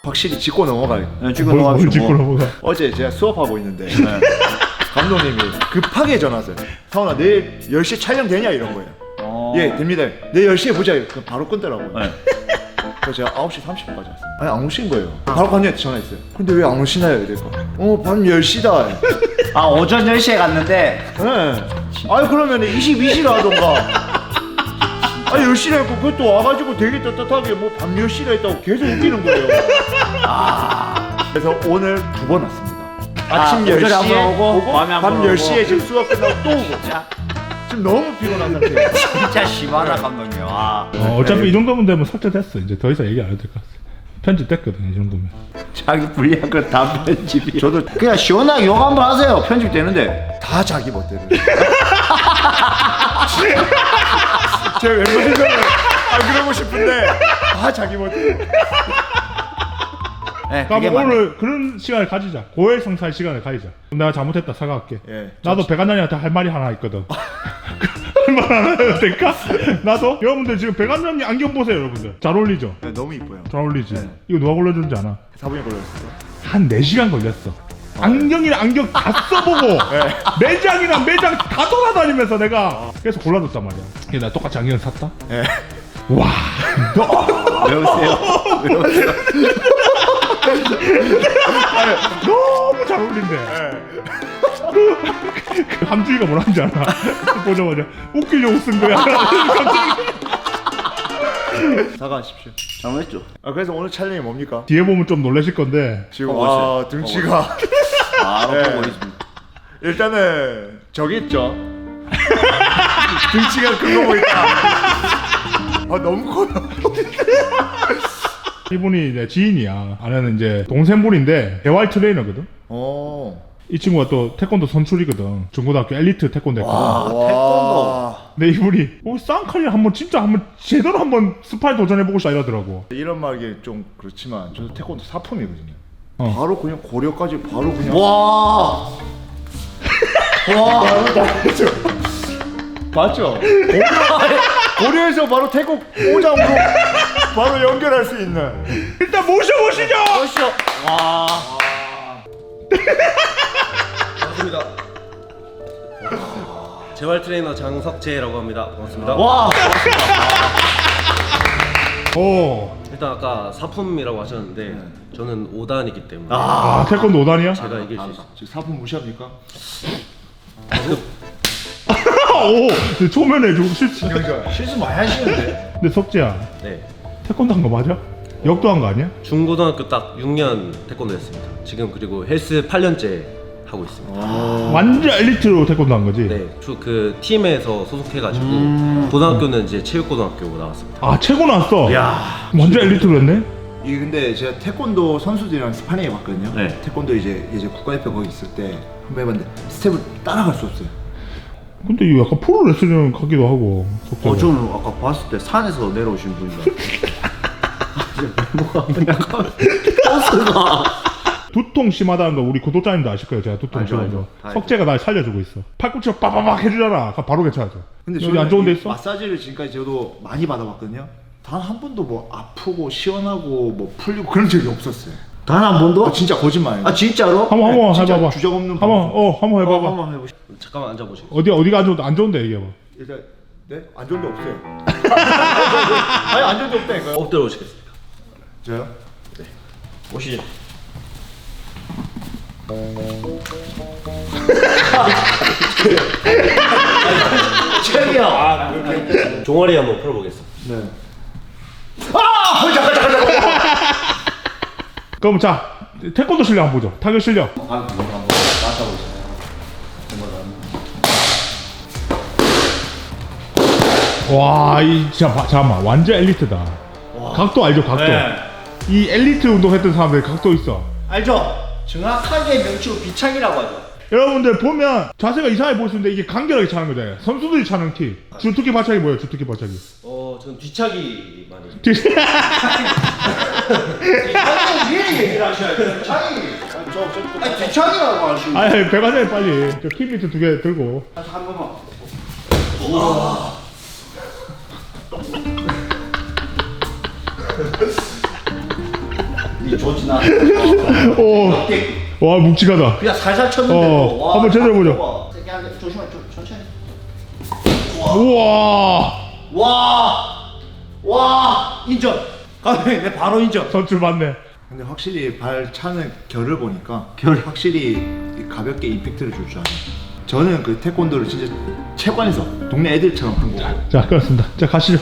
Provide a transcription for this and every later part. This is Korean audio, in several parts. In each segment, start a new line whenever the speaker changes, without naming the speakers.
확실히 짚고 넘어가요.
네, 짚고 넘어가시고.
짚고 넘어가.
어제 제가 수업하고 있는데 감독님이 급하게 전화 왔어요. 상훈아 내일 10시 촬영 되냐 이런 거예요. 예 됩니다. 내일 10시에 보자. 그럼 바로 끊더라고요.
네.
그래서 제가 9시 30분까지 왔어요. 아니 안 오신 거예요. 바로 감독님한테 전화했어요. 근데 왜 안 오시나요? 이래서 밤 10시다.
아 오전 10시에 갔는데.
네. 아니 그러면 22시로 하던가. 아니 10시에 했고 그것도 와가지고 되게 떳떳하게 뭐 밤 10시에 했다고 계속 웃기는 거예요. 그래서 오늘 2번 왔습니다. 아침
오전에
10시에
한번 오고, 밤에 한번
밤
오고.
10시에 지금 수업 끝나고 또 오고. 지금 너무 피곤한 상태예요.
진짜 심하다 감독님. 와.
어차피 이 정도면 되면 삭제됐어. 이제 더 이상 얘기 안 해도 될 것 같아. 편집됐거든 이 정도면.
자기 불리한 거 다 편집이. 저도 그냥 시원하게 욕 한번 하세요. 편집되는데.
다 자기 멋대로. 제 멤버들은 안 그러고 싶은데 다 자기 멋대로.
네,
그럼 오늘 그런 시간을 가지자. 고해성사의 시간을 가지자. 내가 잘못했다 사과할게.
예.
나도 백안장님한테 할 말이 하나 있거든. 할 말 하나 해도 될까? 나도? 여러분들 지금 백안장님 안경 보세요 여러분들. 잘 어울리죠?
네, 너무 이뻐요.
잘 어울리지?
네.
이거 누가 골라준지 아나?
사분이 걸렸어요.
한 4시간 걸렸어. 안경이랑 안경 다 써보고 매장이랑 매장 다 돌아다니면서 내가 그래서 골라줬단 말이야. 그래서 나 똑같이 안경을 샀다?
네.
와
외우세요. 외우세요.
너무 잘 어울린대. 그 함주이가 뭐라는지 알아? 보자마자 웃기려고 쓴 거야. 갑자기
사과하십시오.
잘못했죠.
그래서 오늘 촬영이 뭡니까?
뒤에 보면 좀 놀라실 건데
지금 와 등치가
바로
네.
보고 있습니다.
일단은 저기 있죠. 등치가 큰 거 보인다. 너무 커요.
이분이 이제 지인이야. 아내는 이제 동생분인데 대활 트레이너거든. 이 친구가 또 태권도 선출이거든. 중고등학교 엘리트 태권도 했거든.
태권도.
근데 이분이 쌍칼이랑 한번 진짜 한번 제대로 한번 스파이 도전해보고 싶다 이러더라고.
이런 말이 좀 그렇지만 저도 태권도 사품이거든요.
어.
바로 그냥 고려까지 바로 그냥.
와.
맞죠? 고려에서 바로 태국 오장으로 바로 연결할 수 있는.
일단 모셔보시죠.
멋있어. 와.
반갑습니다. 재활 트레이너 장석재라고 합니다. 반갑습니다.
와.
오.
일단 아까 사품이라고 하셨는데 저는 5단이기 때문에
태권도 5단이야?
제가 이길 수 있어요.
지금 사품 무시합니까?
오. 초면에 좀 실수.
실수 많이 하시는데.
근데 석재야,
네.
태권도 한 거 맞아? 역도 한 거 아니야?
중고등학교 딱 6년 태권도 했습니다. 지금 그리고 헬스 8년째 하고 있습니다.
완전 엘리트로 태권도 한 거지?
네, 그 팀에서 소속해가지고 고등학교는 이제 체육고등학교 나왔습니다.
아, 최고 나왔어?
야.
완전 엘리트로 했네?
이게 근데 제가 태권도 선수들이랑 스파링 해봤거든요.
네.
태권도 이제 국가대표 거기 있을 때 한번 해봤는데 스텝을 따라갈 수 없어요.
근데 이거 약간 프로레슬링 같기도 하고. 석재가.
저는 아까 봤을 때 산에서 내려오신 분이라. 뭐가 약간 버스가.
두통 심하다는 거 우리 구독자님도 아실 거예요. 제가 두통
알죠,
심한 거.
알죠. 다
석재가 날 살려주고 있어. 팔꿈치로 빠바박 해주잖아. 그럼 바로 괜찮아져.
근데
여기 안 좋은 데 있어?
마사지를 지금까지 저도 많이 받아봤거든요. 단 한 번도 뭐 아프고 시원하고 뭐 풀리고 그런 적이 없었어요.
단 한 번도?
진짜 거짓말이에요.
아 진짜로?
한번
진짜
해봐봐.
주적 없는
한번 해봐봐.
한번 해보시.
잠깐만 앉아보시고.
어디가 안 좋은데 얘기해봐.
일단 네? 안 좋은 데 없어요. 아니 안 좋은 데 없다니까요.
엎드려 보시겠습니다.
저요?
오시죠.
최이야.
종아리 한번 풀어보겠습니다.
네.
그럼 자, 태권도 실력 한번 보죠. 타격 실력. 와, 잠깐만. 완전 엘리트다. 각도 알죠, 각도?
네.
이 엘리트 운동했던 사람들 각도 있어.
알죠? 정확하게 명치고 비창이라고 하죠.
여러분들 보면 자세가 이상하게 보일 수 있는데 이게 간결하게 차는 거잖아요. 선수들이 차는 키. 주특기 발차기 뭐예요? 주특기 발차기.
저는 뒤차기 많이.
위에 얘기를 하셔야죠. 비창이. 아니 비창이라고 하시는.
아니, 배관장님 빨리. 저 키 밑에 2개 들고.
한 번만. 좋진 않아.
와 묵직하다.
그냥 살살 쳤는데. 와,
한번 제대로 보자.
세게 하게 조심해, 천천히.
우와.
와, 인정. 감독님, 내 바로 인정.
선출 맞네.
근데 확실히 발 차는 결을 보니까 확실히 가볍게 임팩트를 줄 줄 알아요. 저는 그 태권도를 진짜 체육관에서 동네 애들처럼 한 거고.
자 그렇습니다. 자 가시죠.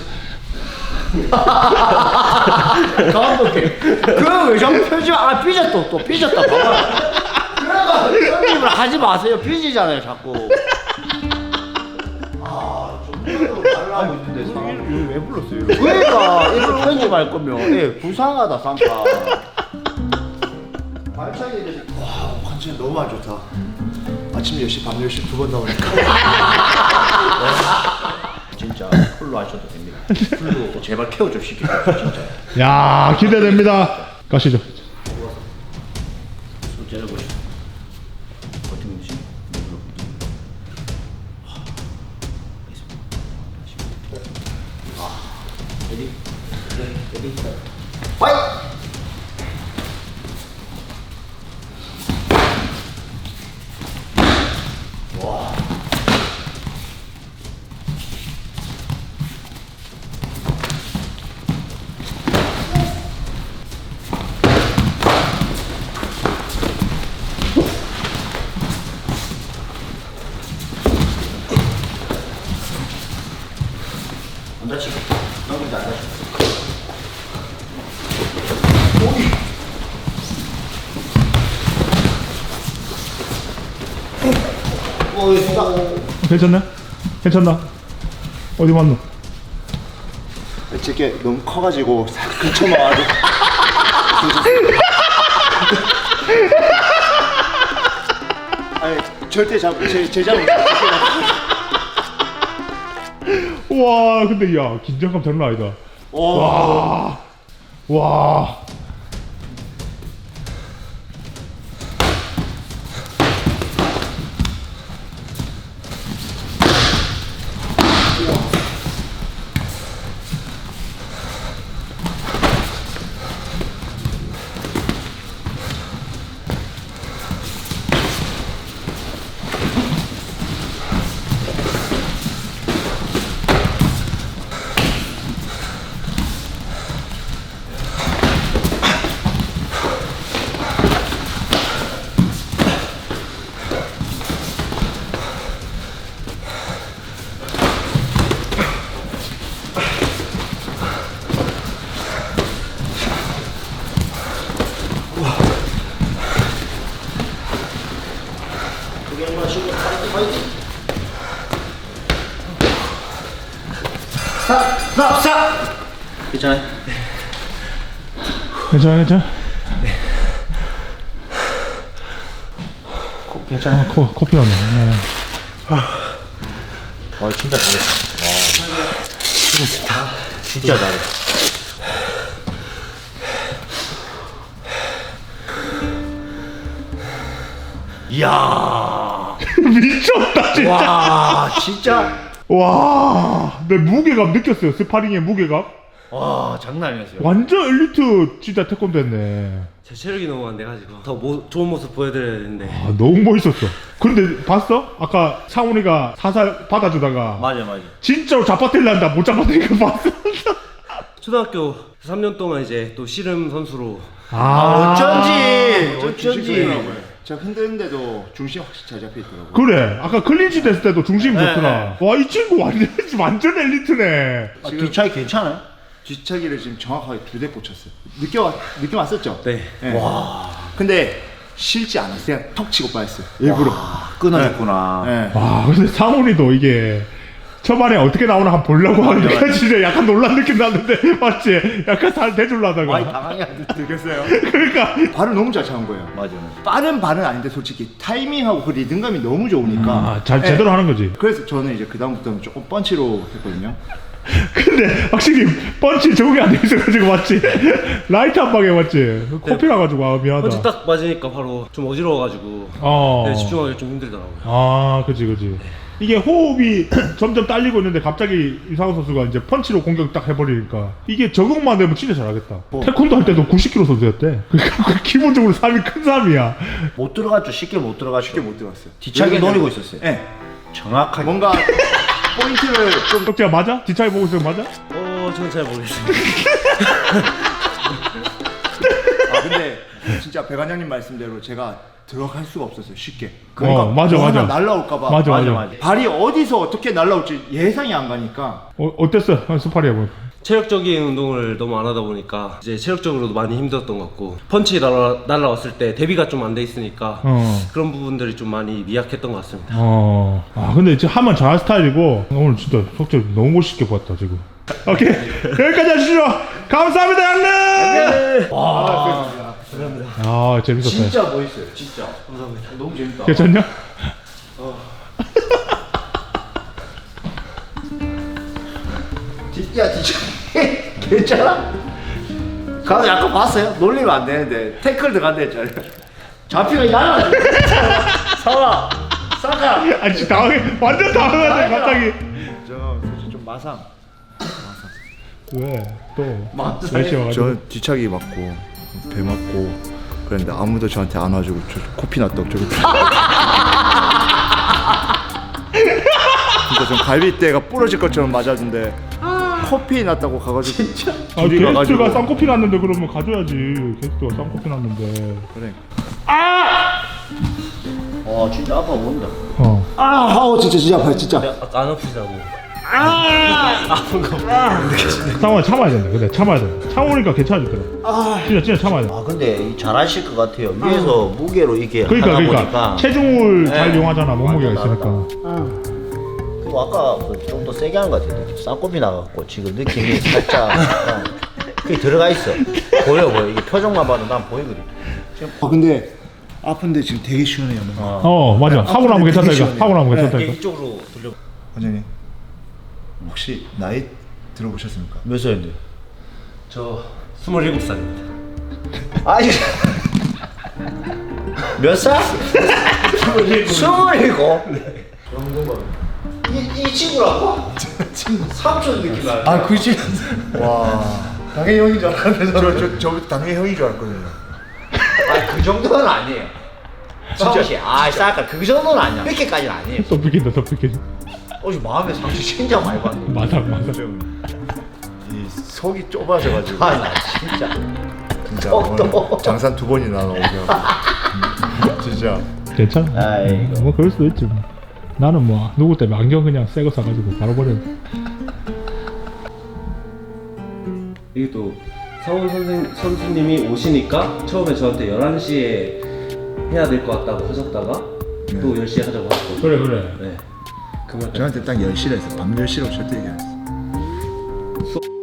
감독님, 그왜 자꾸 편집? 아, 삐졌다, 또 삐졌다. 봐봐. 그래가 편집을 하지 마세요. 삐지잖아요, 자꾸. 좀 달라고 있는데 사람.
왜 불렀어요?
그러니까 이걸 편집할 거면 부상하다 쌍까. 발차기 대해서
와, 컨디션 너무 안 좋다. 아침 10시, 밤 10시 두 번 나오니까.
진짜 풀로 하셔도 됩니다. 풀로 제발 케어 좀 시켜주세요, 진짜.
야 기대됩니다. 가시죠.
손 째려보시죠. 버티는지. 레디? 레디? 파이트! 안 다치고. 너무 안 다치고. 오이.
괜찮나? 괜찮나? 어디 맞노?
제게 너무 커가지고 싹 근처만 아니 절대 제 잡은
우와 근데 야 긴장감 장난 아니다. 와. 와.
사! 괜찮아요?
괜찮아 괜찮아.
괜찮아요?
코피 나네. 네.
와, 진짜 잘했어. 와. 진짜 잘해. 이야.
미쳤다 진짜.
와, 진짜.
와. 내 무게감 느꼈어요. 스파링의 무게감.
와, 장난 아니었어요.
완전 엘리트 진짜 태권도 했네.
제 체력이 너무 안 돼가지고 더 좋은 모습 보여드려야 되는데.
아, 너무 멋있었어. 근데 봤어? 아까 상훈이가 사살 받아주다가
맞아.
진짜로 잡아들란다 못 잡아들니까 봤어?
초등학교 3년 동안 이제 또 씨름 선수로
어쩐지.
제가 흔드는데도 중심 확실히 잘 잡혀 있더라고요.
그래 아까 클린치 됐을 때도 중심이
네,
좋더라. 와 이 친구 완전 엘리트네.
아, 뒷차이 괜찮아요?
뒷차기를 지금 정확하게 2대 꽂혔어요. 느낌 왔었죠?
네.
와. 근데 실지 않았어요. 그냥 턱 치고 빠졌어요. 일부러.
끊어졌구나.
네.
와 근데 상훈이도 이게 초반에 어떻게 나오나 한번 보려고 하니까 진짜 약간 놀란 느낌 났는데 맞지? 약간 살 대줄라다가
많이 당황해.
들겠어요?
그러니까
발을 너무 잘 차는 거예요.
맞아.
빠른 발은 아닌데 솔직히 타이밍하고 그 리듬감이 너무 좋으니까.
잘
네.
제대로 하는 거지.
그래서 저는 이제 그 다음부터는 조금 펀치로 했거든요.
근데 확실히 펀치 적응이 안 돼 있어가지고 맞지? 라이트 한 방에 맞지? 코피 나가지고 아 미안하다.
펀치 딱 맞으니까 바로 좀 어지러워가지고
어.
네, 집중하기 좀 힘들더라고요.
아 그치. 이게 호흡이 점점 딸리고 있는데 갑자기 이상호 선수가 이제 펀치로 공격 딱 해버리니까 이게 적응만 되면 진짜 잘하겠다. 태권도 할 때도 90kg 선수였대. 그러니까 기본적으로 삶이 큰 삶이야.
못 들어갔죠. 쉽게 못 들어갔죠.
쉽게 못 들어갔어요.
뒤차기 노리고 있었어요.
네.
정확하게.
뭔가 포인트를 좀
떡지야 맞아? 뒷차이 보고 있으면 맞아?
저는 잘 모르겠습니다.
아 근데 진짜 배관장님 말씀대로 제가 들어갈 수가 없었어요 쉽게. 그러니까
맞아,
뭐
맞아.
하나 날라올까봐.
맞아.
발이 어디서 어떻게 날라올지 예상이 안 가니까.
어땠어? 스파리 해보니까.
체력적인 운동을 너무 안 하다 보니까 이제 체력적으로도 많이 힘들었던 것 같고 펀치 날라왔을 때 대비가 좀 안 돼 있으니까 그런 부분들이 좀 많이 미약했던 것 같습니다.
아 근데 지금 하면 잘할 스타일이고 오늘 진짜 속절 너무 멋있게 봤다 지금. 오케이 여기까지 하시죠. 감사합니다 양님. 아 재밌었다.
진짜 멋있어요. 진짜. 감사합니다. 너무 재밌다.
괜찮냐?
야, 진짜 괜찮아? 가서 약간 봤어요? 놀리면 안 되는데 태클 들어간다 했잖아요. 잡히가 날아가. 서울아, 싸가.
아니 진짜 완전 당황하네 갑자기.
저 솔직히 좀 마상.
왜? 또
맞아요.
날씨 와가지고.
저 뒤차기 맞고 배 맞고 그랬는데 아무도 저한테 안 와주고 저 코피 났다고 저기. 진짜 좀 갈비뼈가 부러질 것처럼 맞았는데 코피 났다고 가가지고 진짜 둘이
게스트가
가가지고
쌍코피 났는데 그러면 가져야지. 게스트가 쌍코피 났는데.
그래.
진짜 아파 보인다. 진짜 아파요, 진짜.
아까 안 아프시다고.
상황 참아야 된다. 근데 참아야 돼. 참으니까 괜찮아질 거야. 진짜 참아야 돼.
근데 잘하실 것 같아요. 위에서 무게로 이렇게
그러니까
하다 보니까.
체중을
네.
잘 이용하잖아. 몸무게가
완전
있으니까.
그리고 아까 좀 더 세게 한 것 같아요. 쌍꺼비 나갔고 지금 느낌이 살짝 약간 그게 들어가 있어. 보여. 이게 표정만 봐도 난 보이거든.
근데 아픈데 지금 되게 시원해요.
맞아. 하고 나면 괜찮다 이거.
시원해요.
하고 나면 괜찮다 이거.
이쪽으로 돌려.
원장님 혹시 나이 들어보셨습니까?
몇 살인데?
저 27살입니다.
아니 몇 살? 27. 이 친구라고? 삼촌 느낌 나요.
아 그지? 와 당연히 형인 줄 알았는데 저 당연히 형인 줄 알았거든요.
그 정도는 아니에요. 진짜. 싸까 그 정도는 아니야. 그렇게까지는 아니에요.
또 비킨다 또 비킨.
마음에 상처 진짜 많이 받네.
맞아.
이 속이 좁아져가지고
나 진짜.
오늘 장산 2번이나 나오죠. 진짜.
괜찮아.
아이고.
뭐 그럴 수도 있지. 뭐. 나는 뭐 누구 때문에 안경 그냥 새 거 사가지고 바로 버려.
이게 또 성훈 선수님이 오시니까 처음에 저한테 11시에 해야 될 것 같다고 하셨다가 또 10시에 하자고 하셨거든요.
그래.
네. 그러면
저한테 딱 10시라 했어. 밤 10시라고 절대 얘기 안 했어.